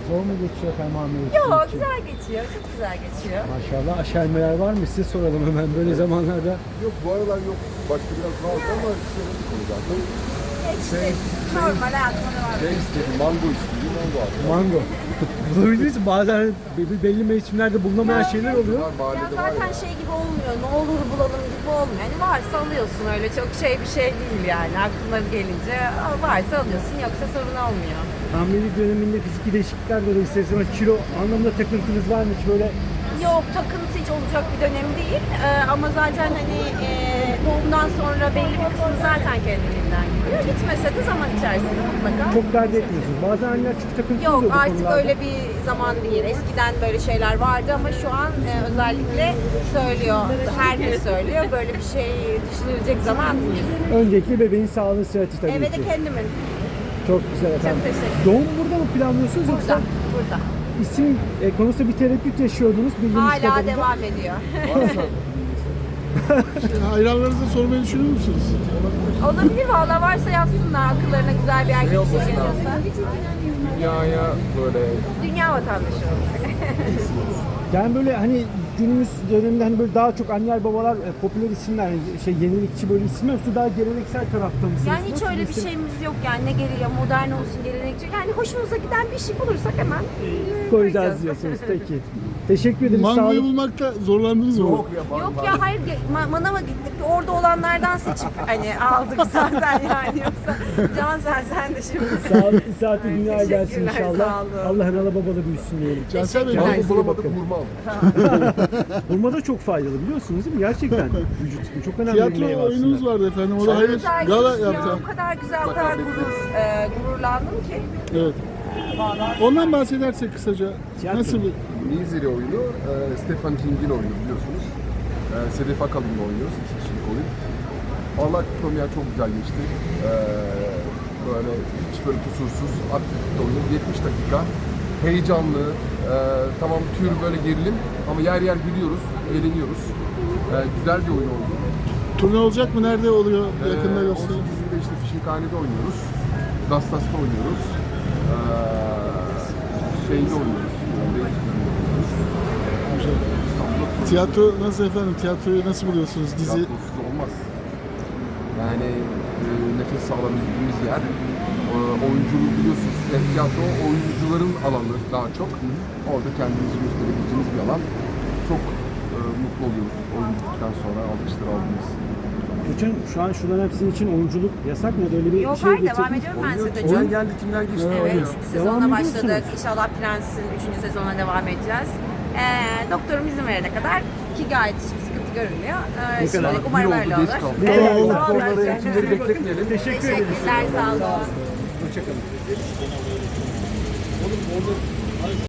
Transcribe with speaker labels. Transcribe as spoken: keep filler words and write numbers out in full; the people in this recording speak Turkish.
Speaker 1: Zor mu geçiyor efendim hamilelik?
Speaker 2: Yok,
Speaker 1: sizin için?
Speaker 2: güzel geçiyor. Çok güzel geçiyor.
Speaker 1: Maşallah aşermeler var mı? Size soralım hemen böyle zamanlarda.
Speaker 3: Yok bu aralar yok. Başta biraz vardı ama şöyle bir konu zaten.
Speaker 2: İşte normal hayatıma devam
Speaker 3: Şey istedim, mango istedim, mango aldım.
Speaker 1: Mango. Bulabiliriz. Bazen belli, belli mevsimlerde bulunamayan şeyler oluyor.
Speaker 3: Var,
Speaker 2: Ya
Speaker 3: mahallede var
Speaker 2: zaten
Speaker 3: ya.
Speaker 2: şey gibi olmuyor, ne olur bulalım gibi olmuyor. Yani varsa alıyorsun, öyle çok şey bir şey değil yani. Aklına gelince "Aa, varsa alıyorsun, yoksa sorun olmuyor.
Speaker 1: Hamilelik döneminde fiziki değişiklikler dolayı isterseniz kilo anlamında takıntınız var mı hiç böyle?
Speaker 2: Yok, takıntı hiç olacak bir dönem değil. Ee, ama zaten hani e, doğumdan sonra belli bir kısmı zaten kendiliğinden gidiyor. Gitmese de zaman içerisinde mutlaka.
Speaker 1: Çok dert etmiyorsunuz. Bazen anneler çok takıntılı
Speaker 2: Yok,
Speaker 1: oluyor bu
Speaker 2: artık
Speaker 1: konularda.
Speaker 2: öyle bir zaman değil. Eskiden böyle şeyler vardı ama şu an e, özellikle söylüyor, herkes söylüyor. Böyle bir şey düşünülecek zaman değil.
Speaker 1: Öncelikle bebeğin sağlığı sıhhati tabii
Speaker 2: Eve
Speaker 1: ki.
Speaker 2: de kendimin.
Speaker 1: Çok güzel efendim.
Speaker 2: teşekkür ederim.
Speaker 1: Doğum burada mı planlıyorsunuz
Speaker 2: Burada,
Speaker 1: yoksa
Speaker 2: burada.
Speaker 1: isim e, konusunda bir tereddüt yaşıyordunuz bildiğiniz
Speaker 2: Hala
Speaker 1: kadarıyla.
Speaker 2: devam ediyor.
Speaker 4: Hayranlarınıza sormayı düşünüyor musunuz?
Speaker 2: Olabilir, valla varsa yazsınlar, akıllarına güzel bir erkek
Speaker 3: olması
Speaker 2: şey geliyorsa.
Speaker 3: Dünyaya böyle
Speaker 2: Dünya vatandaşı olacak.
Speaker 1: Yani böyle hani günümüz döneminde hani böyle daha çok anneler babalar e, popüler isimler hani şey yenilikçi böyle isimler yoksa daha geleneksel tarafta mısınız?
Speaker 2: Yani hiç
Speaker 1: Nasıl
Speaker 2: öyle bir
Speaker 1: isim?
Speaker 2: şeyimiz yok yani, ne gereği modern olsun, gelenekçi. Yani hoşumuza giden bir şey bulursak hemen
Speaker 1: Koyacağız diyorsunuz peki. Teşekkür ederiz. Sağ
Speaker 4: Mangoyu
Speaker 1: olun.
Speaker 4: bulmakta zorlandınız mı?
Speaker 3: yok ya.
Speaker 2: Yok ya, hayır, ge- ma- manava gittik, orada olanlardan seçip hani aldık zaten yani, yoksa Can sen sen de şimdi.
Speaker 1: Sağlıklı saati dünyaya gelsin
Speaker 2: Teşekkürler,
Speaker 1: inşallah.
Speaker 2: sağ olun.
Speaker 1: Allah analı babalı büyüsün diyelim.
Speaker 4: Cansel Bey,
Speaker 2: Teşekkürler.
Speaker 3: Mango bulamadık,
Speaker 1: bakın.
Speaker 3: hurma aldık.
Speaker 1: Hurma da çok faydalı biliyorsunuz değil mi? Gerçekten vücut için çok önemli bir meyve
Speaker 4: tiyatro oyununuz
Speaker 1: aslında.
Speaker 4: vardı efendim. O da hayır
Speaker 2: Güzel
Speaker 4: gala
Speaker 2: geçti ya,
Speaker 4: yaptı.
Speaker 2: o kadar güzel, o kadar gurur, e, gururlandım ki.
Speaker 4: Evet. Ondan bahsedersek kısaca.
Speaker 1: Tiyatro.
Speaker 4: Nasıl bir...
Speaker 3: Nizeri oyunu, e, Stephen King'in oyunu biliyorsunuz. E, Sedef Akalın'la oynuyoruz, iki kişilik oyun. Valla premier çok güzel geçti. E, böyle hiç böyle kusursuz, aktif bir oyun. yetmiş dakika. Heyecanlı, e, tamam tür böyle gerilim ama yer yer gülüyoruz, eğleniyoruz. E, güzel bir oyun oldu.
Speaker 4: Turne olacak mı? Nerede oluyor? Yakında
Speaker 3: Ee,
Speaker 4: gösterin.
Speaker 3: on sekizinde işte Fişinkhane'de oynuyoruz. Dastas'ta oynuyoruz. Ee, şeyde oynuyoruz. İstanbul'da
Speaker 4: Tiyatro nasıl efendim? Tiyatroyu nasıl buluyorsunuz? Dizi.
Speaker 3: tiyatrosuz olmaz. Yani e, nefes alabildiğimiz yer. E, oyunculuğu biliyorsunuz. Yani tiyatro oyuncuların alanı daha çok. Orada kendimizi gösterebileceğimiz bir alan. Çok e, mutlu oluyoruz oyunculuktan sonra alkışlar aldığımız.
Speaker 1: Hocam şu an şunların hepsinin için oyunculuk yasak mı? Öyle bir
Speaker 2: Yok,
Speaker 1: şey
Speaker 2: hayır,
Speaker 1: getirdiniz.
Speaker 2: devam ediyorum ben size de.
Speaker 3: Kimler geldi, kimler geçti?
Speaker 2: Evet,
Speaker 3: oynuyor.
Speaker 2: üçüncü
Speaker 1: Devam
Speaker 2: sezonuna
Speaker 1: ediyorsunuz.
Speaker 2: başladık. İnşallah Prens'in üçüncü sezonuna devam edeceğiz. Ee, doktorum izin verene kadar, ki gayet hiçbir sıkıntı görünmüyor. Ee,
Speaker 1: Ne kadar?
Speaker 2: şimdilik
Speaker 3: Bir
Speaker 2: umarım
Speaker 3: oldu,
Speaker 2: öyle
Speaker 3: geç
Speaker 2: olur.
Speaker 3: kaldı.
Speaker 1: Evet,
Speaker 2: Evet,
Speaker 1: oldu.
Speaker 2: sağ olun.
Speaker 3: Onları eğitimleri bekletmeyelim.
Speaker 1: Teşekkür ederiz.
Speaker 2: Teşekkürler, sağ olun.
Speaker 1: Hoşçakalın.